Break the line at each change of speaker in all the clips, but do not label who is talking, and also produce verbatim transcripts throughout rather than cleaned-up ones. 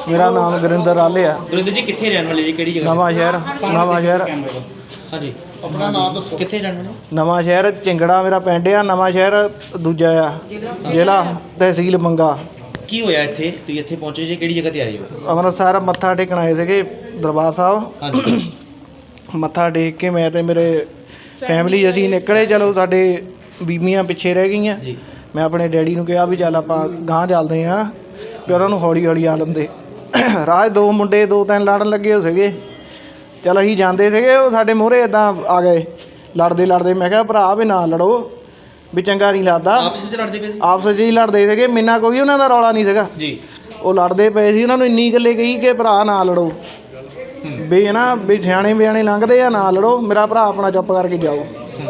मेरा नाम गुरिंदर आले है।
गुरिंदर जी कितने रहने वाले जी, केड़ी जगह?
नवा शहर नवा शहर
हाँ जी, अपना नाम दसो, कितने रहने वाले?
नवा शहर चिंगड़ा मेरा पिंड आ। नवा शहर दूजा आ जिला तहसील मंगा।
की होया इत्थे तुसीं इत्थे पहुंचे जी, केड़ी जगह ते आए हो?
ਅੰਮ੍ਰਿਤਸਰ ਮੱਥਾ ਟੇਕਣ ਆਏ ਸੀਗੇ ਦਰਬਾਰ ਸਾਹਿਬ।
ਹਾਂਜੀ
ਮੱਥਾ ਟੇਕ ਕੇ ਮੈਂ ਤੇ ਮੇਰੇ ਫੈਮਿਲੀ ਅਸੀਂ ਨਿਕਲੇ। ਚਲੋ ਸਾਡੇ ਬੀਬੀਆਂ ਪਿੱਛੇ ਰਹਿ ਗਈਆਂ।
ਜੀ
ਮੈਂ ਆਪਣੇ ਡੈਡੀ ਨੂੰ ਕਿਹਾ ਵੀ ਚੱਲ ਆਪਾਂ ਗਾਂਹ ਚੱਲਦੇ ਹਾਂ, ਵੀ ਉਹਨਾਂ ਨੂੰ ਹੌਲੀ ਹੌਲੀ ਆ ਲੰਦੇ। ਰਾਹ ਦੋ ਮੁੰਡੇ ਦੋ ਤਿੰਨ ਲੜਨ ਲੱਗੇ ਹੋ ਸੀਗੇ। ਚੱਲ ਅਸੀਂ ਜਾਂਦੇ ਸੀਗੇ, ਉਹ ਸਾਡੇ ਮੂਹਰੇ ਇੱਦਾਂ ਆ ਗਏ ਲੜਦੇ ਲੜਦੇ। ਮੈਂ ਕਿਹਾ ਭਰਾ ਵੀ ਨਾ ਲੜੋ, ਵੀ ਚੰਗਾ ਨਹੀਂ ਲੱਗਦਾ।
ਆਪਸ ਵਿੱਚ ਲੜਦੇ ਪਏ ਸੀ?
ਆਪਸ 'ਚ ਹੀ ਲੜਦੇ ਸੀਗੇ, ਮੇਨਾ ਕੋਈ ਉਹਨਾਂ ਦਾ ਰੌਲਾ ਨਹੀਂ ਸੀਗਾ
ਜੀ।
ਉਹ ਲੜਦੇ ਪਏ ਸੀ। ਉਹਨਾਂ ਨੂੰ ਇੰਨੀ ਗੱਲੇ ਕਹੀ ਕਿ ਭਰਾ ਨਾ ਲੜੋ, ਵੀ ਹੈ ਨਾ ਵੀ ਸਿਆਣੇ ਬਿਆਣੇ ਲੰਘਦੇ ਆ, ਨਾ ਲੜੋ, ਮੇਰਾ ਭਰਾ ਆਪਣਾ ਚੁੱਪ ਕਰਕੇ ਜਾਓ।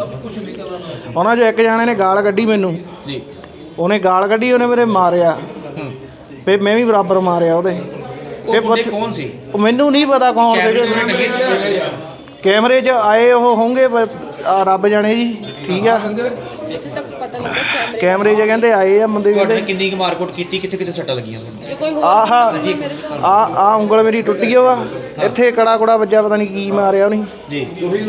ਉਹਨਾਂ 'ਚੋਂ ਇੱਕ ਜਾਣੇ ਨੇ ਗਾਲ ਕੱਢੀ ਮੈਨੂੰ।
ਜੀ
ਉਹਨੇ ਗਾਲ ਕੱਢੀ, ਉਹਨੇ ਮੇਰੇ ਮਾਰਿਆ, ਫਿਰ ਮੈਂ ਵੀ ਬਰਾਬਰ ਮਾਰਿਆ ਉਹਦੇ।
ਉਹ ਬੰਦੇ ਕੌਣ ਸੀ?
ਉਹ ਮੈਨੂੰ ਨਹੀਂ ਪਤਾ ਕੌਣ ਸੀਗੇ। ਕੈਮਰੇ 'ਚ ਆਏ ਉਹ ਹੋਣਗੇ ਰੱਬ ਜਾਣੇ ਜੀ। ਠੀਕ ਆ, ਕੈਮਰੇ 'ਚ ਕਹਿੰਦੇ ਆਏ ਆ ਬੰਦੇ।
ਤੁਹਾਡੇ ਕਿੰਨੀ ਕੁ ਮਾਰਕੁੱਟ ਕੀਤੀ, ਕਿੱਥੇ ਕਿੱਥੇ ਸੱਟਾਂ ਲੱਗੀਆਂ?
ਆਹ ਆ ਆ ਉਂਗਲ ਮੇਰੀ ਟੁੱਟ ਗਈ ਵਾ, ਇੱਥੇ ਕੜਾ ਕੁੜਾ ਵੱਜਾ, ਪਤਾ ਨਹੀਂ ਕੀ ਮਾਰਿਆ ਉਹਨੇ
ਜੀ।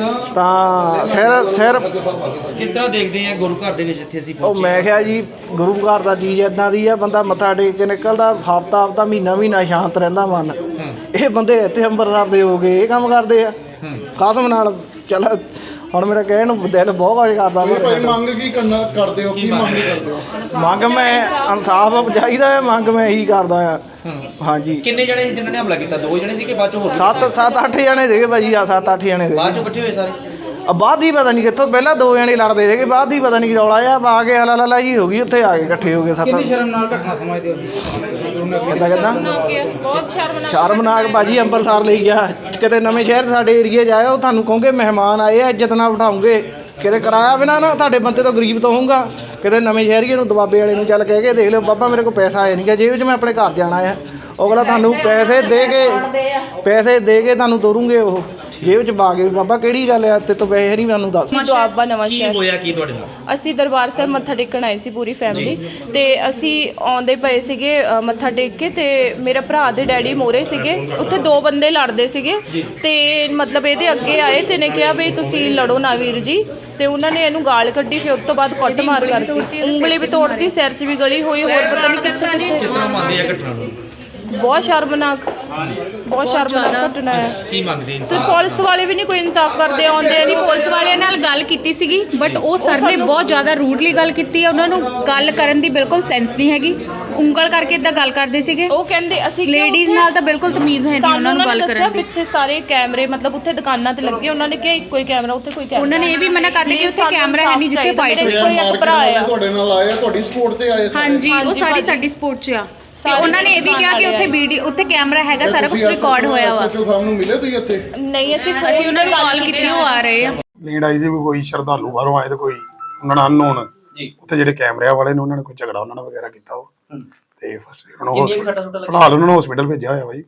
ਤਾਂ ਸਿਰ ਸਿਰ
ਕਿਸ ਤਰ੍ਹਾਂ ਦੇਖਦੇ ਆ ਗੁਰੂ ਘਰ ਦੇ ਵਿੱਚ ਇੱਥੇ ਅਸੀਂ
ਉਹ
ਪਹੁੰਚੇ?
ਮੈਂ ਕਿਹਾ ਜੀ ਗੁਰੂ ਘਰ ਦਾ ਚੀਜ਼ ਇੱਦਾਂ ਦੀ ਆ, ਬੰਦਾ ਮੱਥਾ ਟੇਕ ਕੇ ਨਿਕਲਦਾ ਹਫ਼ਤਾ ਹਫ਼ਤਾ ਮਹੀਨਾ ਮਹੀਨਾ ਸ਼ਾਂਤ ਰਹਿੰਦਾ ਮਨ। ਇਹ ਬੰਦੇ ਇੱਥੇ ਅੰਮ੍ਰਿਤਸਰ ਦੇ ਹੋ ਗਏ, ਇਹ ਕੰਮ ਕਰਦੇ ਆ ਕਸਮ ਨਾਲ। ਚੱਲ ਹੁਣ ਮੇਰਾ ਕਹਿਣ ਨੂੰ ਦਿਲ ਬਹੁਤ ਕੁਝ ਕਰਦਾ।
ਮੰਗ ਕੀ ਕਰਨਾ ਕਰਦੇ ਹੋ? ਕੀ ਮੰਗ ਕਰਦੇ ਹੋ?
ਮੰਗ ਮੈਂ ਇਨਸਾਫ ਚਾਹੀਦਾ ਹੈ, ਮੰਗ ਮੈਂ ਇਹੀ ਕਰਦਾ ਆ। ਹਾਂਜੀ।
ਕਿੰਨੇ ਜਣੇ ਸੀ ਜਿਨ੍ਹਾਂ ਨੇ ਹਮਲਾ ਕੀਤਾ? ਦੋ ਜਣੇ ਸੀ ਕਿ ਬਾਅਦ ਚੋਂ ਹੋਰ?
ਸੱਤ ਸੱਤ ਅੱਠ ਜਣੇ ਸੀਗੇ ਭਾਜੀ। ਆ ਸੱਤ ਅੱਠ ਜਣੇ ਸੀਗੇ।
ਬਾਅਦ ਚੋਂ ਇਕੱਠੇ ਹੋਏ ਸਾਰੇ?
ਆ ਬਾਅਦ ਹੀ ਪਤਾ ਨਹੀਂ ਕਿੱਥੋਂ, ਪਹਿਲਾਂ ਦੋ ਜਣੇ ਲੜਦੇ ਸੀਗੇ, ਬਾਅਦ ਹੀ ਪਤਾ ਨਹੀਂ ਕੀ ਰੌਲਾ ਆ, ਆ ਕੇ ਹਲਾ ਲਾ ਜੀ ਹੋ ਗਈ, ਉੱਥੇ ਆ ਕੇ ਇਕੱਠੇ ਹੋ ਗਏ ਸੱਤ। ਕਿੰਨੀ ਸ਼ਰਮਨਾਕ ਘਟਨਾ ਸਮਝਦੇ ਹੋ? ਕਿੱਦਾਂ ਕਿੱਦਾਂ
ਬਹੁਤ ਸ਼ਰਮਨਾਕ
ਸ਼ਰਮਨਾਕ ਭਾਜੀ। ਅੰਮ੍ਰਿਤਸਰ ਲਈ ਗਿਆ, ਕਿਤੇ ਨਵੇਂ ਸ਼ਹਿਰ ਸਾਡੇ ਏਰੀਏ 'ਚ ਆਏ, ਉਹ ਤੁਹਾਨੂੰ ਕਹੋਗੇ ਮਹਿਮਾਨ ਆਏ ਆ, ਇੱਜ਼ਤ ਨਾਲ ਬਿਠਾਉਂਗੇ। ਕਿਤੇ ਕਿਰਾਇਆ ਬਿਨਾਂ ਨਾ ਤੁਹਾਡੇ ਬੰਦੇ ਤੋਂ ਗਰੀਬ ਤੋਂ ਹੋਊਗਾ। ਕਿਤੇ ਨਵੇਂ ਸ਼ਹਿਰੀਏ ਨੂੰ ਦਬਾਬੇ ਵਾਲੇ ਨੂੰ ਚੱਲ ਕਹਿ ਕੇ ਦੇਖ ਲਿਓ, ਬਾਬਾ ਮੇਰੇ ਕੋਲ ਪੈਸਾ ਆਇਆ ਨਹੀਂ ਗਾ ਜੇਬ 'ਚ, ਮੈਂ ਆਪਣੇ ਘਰ ਜਾਣਾ ਆ। ਉਹ ਅਗਲਾ ਤੁਹਾਨੂੰ ਪੈਸੇ ਦੇ ਕੇ ਪੈਸੇ ਦੇ ਕੇ ਤੁਹਾਨੂੰ ਤੋਰੂਗੇ ਉਹ ਜੇਬ 'ਚ ਪਾ ਕੇ। ਬਾਬਾ ਕਿਹੜੀ ਗੱਲ ਆ, ਤੇ ਤੋਂ ਪੈਸੇ ਨਹੀਂ ਮੈਨੂੰ ਦੱਸ।
ਦੁਆਬਾ ਨਵਾਂ
ਕੀ
ਸ਼ਹਿਰ
ਹੋਇਆ ਕੀ ਤੁਹਾਡੇ ਨਾਲ?
ਅਸੀਂ ਦਰਬਾਰ ਸਾਹਿਬ ਮੱਥਾ ਟੇਕਣ ਆਏ ਸੀ ਪੂਰੀ ਫੈਮਿਲੀ, ਤੇ ਅਸੀਂ ਆਉਂਦੇ ਪਏ ਸੀਗੇ ਅ, ਮੱਥਾ ਟੇਕ ਕੇ, ਤੇ ਮੇਰੇ ਭਰਾ ਦੇ ਡੈਡੀ ਮੋਰੇ ਸੀਗੇ। ਉੱਥੇ ਦੋ ਬੰਦੇ ਲੜਦੇ ਸੀਗੇ, ਤੇ ਮਤਲਬ ਇਹਦੇ ਅੱਗੇ ਆਏ ਤੇ ਨੇ ਕਿਹਾ ਵੀ ਤੁਸੀਂ ਲੜੋ ਨਾ ਵੀਰ ਜੀ, ਤੇ ਉਹਨਾਂ ਨੇ ਇਹਨੂੰ ਗਾਲ ਕੱਢੀ। ਫਿਰ ਉਸ ਤੋਂ ਬਾਅਦ ਕੁੱਟ ਮਾਰ ਕਰਤੀ, ਉਂਗਲੀ ਵੀ ਤੋੜਤੀ, ਸਿਰ 'ਚ ਵੀ ਗਲੀ ਹੋਈ, ਹੋਰ ਪਤਾ ਨਹੀਂ ਕਿੱਥੇ
ਕਿਸ
ਕਿੱਥੇ।
ਤਰ੍ਹਾਂ ਮੰਨਦੇ ਆ ਘਟਨਾ ਨੂੰ?
ਬਹੁਤ ਸ਼ਰਮਨਾਕ ਬਹੁਤ ਸ਼ਰਮਨਾਕ ਘਟਨਾ ਹੈ।
ਕੀ ਮੰਗਦੇ
ਤੇ
ਇਨਸਾਨ?
ਪੁਲਿਸ ਵਾਲੇ ਵੀ ਨਹੀਂ ਕੋਈ ਇਨਸਾਫ ਕਰਦੇ, ਆਉਂਦੇ ਨਹੀਂ।
ਪੁਲਿਸ ਵਾਲਿਆਂ ਨਾਲ ਗੱਲ ਕੀਤੀ ਸੀਗੀ, ਬਟ ਉਹ ਸਰ ਨੇ ਬਹੁਤ ਜ਼ਿਆਦਾ ਰੂਡਲੀ ਗੱਲ ਕੀਤੀ ਹੈ। ਉਹਨਾਂ ਨੂੰ ਗੱਲ ਕਰਨ ਦੀ ਬਿਲਕੁਲ ਸੈਂਸ ਨਹੀਂ ਹੈਗੀ, ਉਂਗਲ ਕਰਕੇ ਇਦਾਂ ਗੱਲ ਕਰਦੇ ਸੀਗੇ।
ਉਹ ਕਹਿੰਦੇ ਅਸੀਂ
ਲੇਡੀਜ਼ ਨਾਲ ਤਾਂ ਬਿਲਕੁਲ ਤਮੀਜ਼ ਹੈ ਨਹੀਂ ਉਹਨਾਂ ਨੂੰ ਗੱਲ ਕਰਨ ਦੀ।
ਪਿੱਛੇ ਸਾਰੇ ਕੈਮਰੇ ਮਤਲਬ ਉੱਥੇ ਦੁਕਾਨਾਂ ਤੇ ਲੱਗੇ, ਉਹਨਾਂ ਨੇ ਕਿਹਾ ਇੱਕੋ ਹੀ ਕੈਮਰਾ, ਉੱਥੇ ਕੋਈ ਕੈਮਰਾ।
ਉਹਨਾਂ ਨੇ ਇਹ ਵੀ ਮਨਾ ਕਰਤਾ ਕਿ ਉੱਥੇ ਕੈਮਰਾ ਹੈ ਨਹੀਂ ਜਿੱਥੇ ਫਾਈਟ ਹੋਈ।
ਕੋਈ ਇੱਕ ਭਰਾ ਆ
ਤੁਹਾਡੇ ਨਾਲ ਆਏ ਆ, ਤੁਹਾਡੀ ਸਪੋਰਟ ਤੇ ਆਏ?
ਹਾਂਜੀ, ਉਹ ਸਾਰੀ ਸਾਡੀ ਸਪੋਰਟ 'ਚ ਆ। ਤੇ ਉਹਨਾਂ ਨੇ ਇਹ ਵੀ ਕਿਹਾ ਕਿ ਉੱਥੇ ਵੀਡੀਓ, ਉੱਥੇ ਕੈਮਰਾ ਹੈਗਾ, ਸਾਰਾ ਕੁਝ ਰਿਕਾਰਡ ਹੋਇਆ ਵਾ।
ਐਸਐਚਓ ਸਾਹਿਬ ਨੂੰ ਮਿਲੇ ਤੁਸੀਂ ਇੱਥੇ?
ਨਹੀਂ, ਅਸੀਂ
ਅਸੀਂ ਉਹਨਾਂ ਨੂੰ ਕਾਲ ਕੀਤੀ, ਉਹ ਆ ਰਹੇ ਆ।
ਨੀਡ ਆਈ ਸੀ ਵੀ ਕੋਈ ਸ਼ਰਧਾਲੂ ਬਾਹਰੋਂ ਆਏ ਤੇ ਕੋਈ ਉਹਨਾਂ ਨਾਲ ਅਨਨੋਨ
ਜੀ
ਉੱਥੇ ਜਿਹੜੇ ਕੈਮਰਿਆਂ ਵਾਲੇ ਨੇ ਉਹਨਾਂ ਨੇ ਕੋਈ ਝਗੜਾ ਉਹਨਾਂ ਨਾਲ ਵਗੈਰਾ ਕੀਤਾ ਉਹ ਤੇ ਫਸਟ ਉਹਨਾਂ ਨੂੰ
ਕਿੰਨੀਆਂ ਕੁ ਸੱਟਾਂ ਸੁੱਟਾਂ ਲੱਗੀਆਂ?
ਫਿਲਹਾਲ ਉਹਨਾਂ ਨੂੰ ਹਸਪੀਟਲ ਭੇਜਿਆ ਹੋਇਆ ਬਾਈ,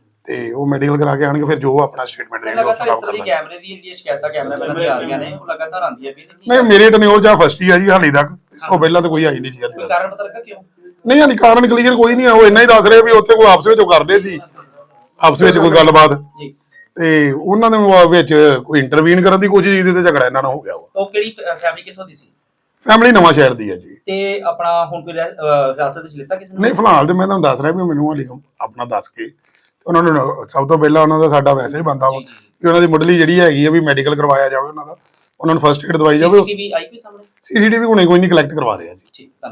ਤੇ ਉਹ ਮੈਡੀਕਲ ਕਰਾ ਕੇ ਆਣਗੇ, ਫਿਰ ਜੋ ਆਪਣਾ ਸਟੇਟਮੈਂਟ ਦੇਣਗੇ ਉਹ ਖਰਾਬ ਕਰ ਲਾਂਗੇ।
ਕੈਮਰੇ ਦੀ ਜਿਹੜੀਆਂ ਸ਼ਿਕਾਇਤਾਂ ਕੈਮਰਾਮੈਨਾਂ ਦੀਆਂ ਆ ਰਹੀਆਂ ਨੇ, ਉਹ ਲਗਾਤਾਰ ਆਉਂਦੀਆਂ ਵੀ
ਨਹੀਂ, ਮੇਰੇ ਟਨਿਓਰ ਜਾਂ ਫਸਟ ਹੀ ਆ ਜੀ ਹਾਲੇ ਤੱਕ, ਇਸ ਤੋਂ ਪਹਿਲਾਂ ਤਾਂ ਕੋਈ ਆਈ ਨਹੀਂ ਜੀ ਹਾਲੇ ਤੱਕ।
ਕਾਰਨ ਪਤਾ ਲੱਗਾ ਕਿਉਂ?
ਨਹੀਂ ਹਾਲੇ ਕਾਰਨ ਕਲੀਅਰ ਕੋਈ ਨਹੀਂ ਆ, ਉਹ ਇੰਨਾ ਹੀ ਦੱਸ ਰਹੇ ਵੀ ਉੱਥੇ ਕੋਈ ਆਪਸ ਵਿੱਚ ਉਹ ਕਰਦੇ ਸੀ, ਆਪਸ ਵਿੱਚ ਕੋਈ ਗੱਲਬਾਤ,
ਜੀ,
ਤੇ ਉਹਨਾਂ ਦੇ ਵਿੱਚ ਕੋਈ ਇੰਟਰਵੀਨ ਕਰਨ ਦੀ ਕੋਸ਼ਿਸ਼ ਕੀਤੀ ਤੇ ਝਗੜਾ ਇਹਨਾਂ ਨਾਲ ਹੋ ਗਿਆ।
ਉਹ ਕਿਹੜੀ ਫੈਮਿਲੀ ਕਿੱਥੋਂ ਦੀ ਸੀ?
ਫੈਮਿਲੀ ਨਵਾਂ ਸ਼ਹਿਰ ਦੀ ਹੈ ਜੀ।
ਤੇ ਆਪਣਾ ਹੁਣ ਕੋਈ ਹਿਰਾਸਤ ਵਿੱਚ ਲਿੱਤਾ ਕਿਸੇ ਨੇ?
ਨਹੀਂ, ਫਿਲਹਾਲ ਤੇ ਮੈਂ ਤੁਹਾਨੂੰ ਦੱਸ ਰਿਹਾ ਵੀ ਮੈਨੂੰ ਹਾਲੇ ਆਪਣਾ ਦੱਸ ਕੇ ਉਹਨਾਂ ਨੂੰ ਸਭ ਤੋਂ ਪਹਿਲਾਂ ਉਹਨਾਂ ਦਾ ਸਾਡਾ ਵੈਸੇ ਹੀ ਬੰਦਾ ਵਾ ਵੀ ਉਹਨਾਂ ਦੀ ਮੁੱਢਲੀ ਜਿਹੜੀ ਹੈਗੀ ਆ ਵੀ ਮੈਡੀਕਲ ਕਰਵਾਇਆ ਜਾਵੇ, ਉਹਨਾਂ ਦਾ ਉਹਨਾਂ ਨੂੰ ਫਸਟ ਏਡ ਦਵਾਈ ਜਾਵੇ।
ਸੀਸੀਟੀਵੀ ਆਈ ਕੋਈ ਸਾਹਮਣੇ?
ਸੀਸੀਟੀਵੀ ਹੁਣੇ ਕੋਈ ਨਹੀਂ ਕਲੈਕਟ ਕਰਵਾ ਰਹੇ ਆ ਜੀ।
ਠੀਕ।